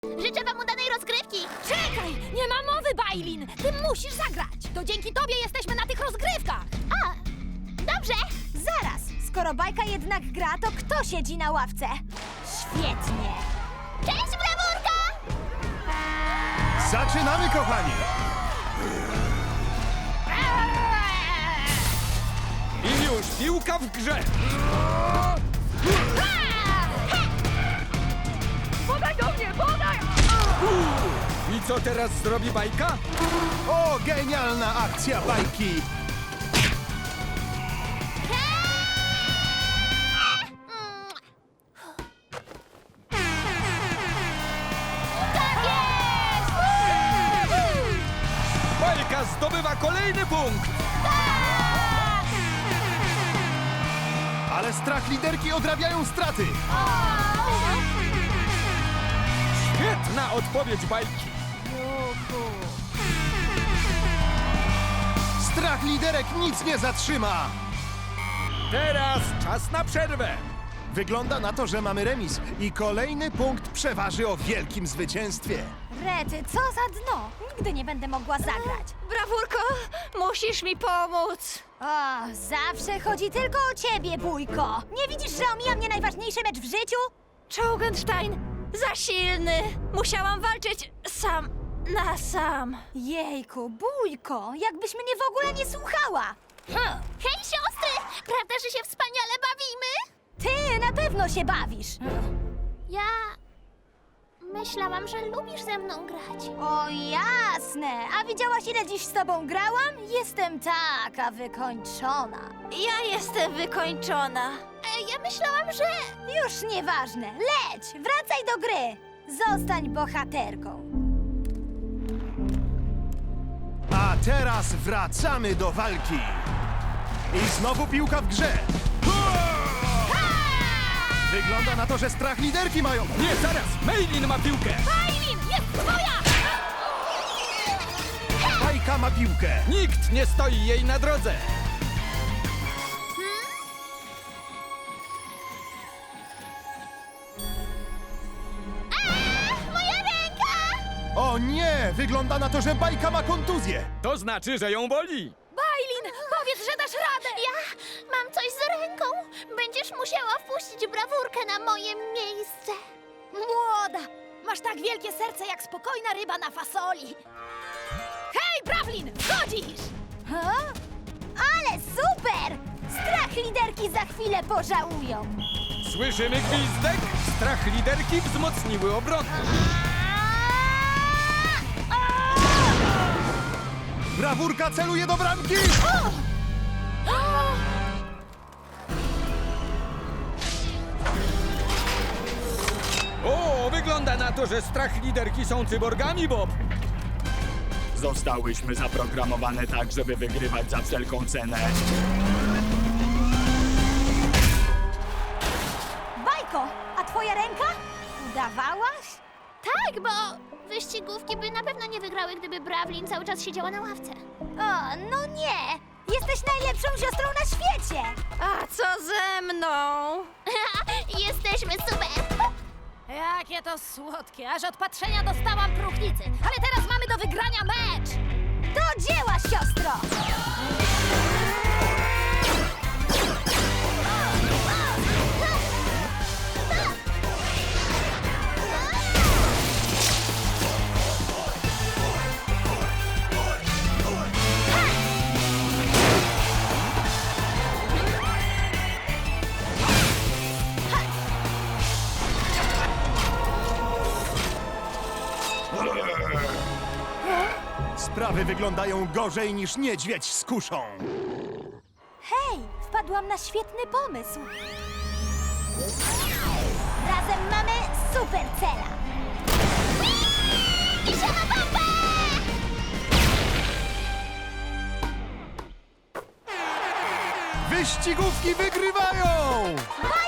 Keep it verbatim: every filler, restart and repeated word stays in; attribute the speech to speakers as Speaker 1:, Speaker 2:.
Speaker 1: Życzę wam udanej rozgrywki!
Speaker 2: Czekaj! Nie ma mowy, Bailin! Ty musisz zagrać! To dzięki tobie jesteśmy na tych rozgrywkach!
Speaker 1: A, dobrze!
Speaker 2: Zaraz! Skoro bajka jednak gra, to kto siedzi na ławce? Świetnie!
Speaker 1: Cześć, brawurka!
Speaker 3: Zaczynamy, kochani!
Speaker 4: I już piłka w grze!
Speaker 2: Podaj do mnie! Podaj!
Speaker 4: I co teraz zrobi bajka?
Speaker 3: O, genialna akcja bajki!
Speaker 1: Tak jest!
Speaker 4: Bajka zdobywa kolejny punkt!
Speaker 3: Ale strach liderki odrabiają straty!
Speaker 4: Świetna odpowiedź bajki!
Speaker 3: Strach liderek nic nie zatrzyma!
Speaker 4: Teraz czas na przerwę!
Speaker 3: Wygląda na to, że mamy remis i kolejny punkt przeważy o wielkim zwycięstwie.
Speaker 2: Rety, co za dno! Nigdy nie będę mogła zagrać. Brawurko, musisz mi pomóc. O, zawsze chodzi tylko o ciebie, bójko. Nie widzisz, że omija mnie najważniejszy mecz w życiu?
Speaker 5: Czołgenstein za silny. Musiałam walczyć sam na sam.
Speaker 2: Jejku, bójko, jakbyś mnie w ogóle nie słuchała.
Speaker 1: Hm. Hej, siostry! Prawda, że się wspaniale bawimy?
Speaker 2: Ty na pewno się bawisz.
Speaker 1: Ja... myślałam, że lubisz ze mną grać.
Speaker 2: O jasne, a widziałaś ile dziś z tobą grałam? Jestem taka wykończona.
Speaker 5: Ja jestem wykończona.
Speaker 1: E, ja myślałam, że...
Speaker 2: Już nieważne, leć, wracaj do gry. Zostań bohaterką.
Speaker 3: A teraz wracamy do walki. I znowu piłka w grze. Wygląda na to, że strach liderki mają...
Speaker 4: Nie, zaraz! Meilin ma piłkę!
Speaker 1: Bailin, jest twoja!
Speaker 3: Bajka ma piłkę.
Speaker 4: Nikt nie stoi jej na drodze!
Speaker 1: Moja ręka!
Speaker 3: O nie! Wygląda na to, że bajka ma kontuzję.
Speaker 4: To znaczy, że ją boli!
Speaker 2: Bailin, powiedz, że dasz radę.
Speaker 1: Ja mam coś z ręką. Będziesz musiała wpuścić brawurkę na moje miejsce.
Speaker 2: Młoda, masz tak wielkie serce jak spokojna ryba na fasoli. Hej, Brawlin, wchodzisz! Ha? Ale super! Strach liderki za chwilę pożałują.
Speaker 4: Słyszymy gwizdek? Strach liderki wzmocniły obronę.
Speaker 3: Brawurka celuje do bramki.
Speaker 4: O, wygląda na to, że strach liderki są cyborgami, Bob!
Speaker 6: Zostałyśmy zaprogramowane tak, żeby wygrywać za wszelką cenę.
Speaker 2: Bajko, a twoja ręka? Udawałaś?
Speaker 1: Tak, bo wyścigówki by na pewno nie wygrały, gdyby Brawlin cały czas siedziała na ławce.
Speaker 2: O, no nie! Jesteś najlepszą siostrą na świecie!
Speaker 5: A co ze mną?
Speaker 1: Jesteśmy super!
Speaker 2: Jakie to słodkie, aż od patrzenia dostałam próchnicy. Ale teraz mamy do wygrania mecz! Do dzieła, siostro!
Speaker 3: Sprawy wyglądają gorzej niż niedźwiedź z kuszą.
Speaker 2: Hej, wpadłam na świetny pomysł. Razem mamy super cela.
Speaker 1: Idziemy bombę!
Speaker 3: Wyścigówki wygrywają!
Speaker 2: Bajka!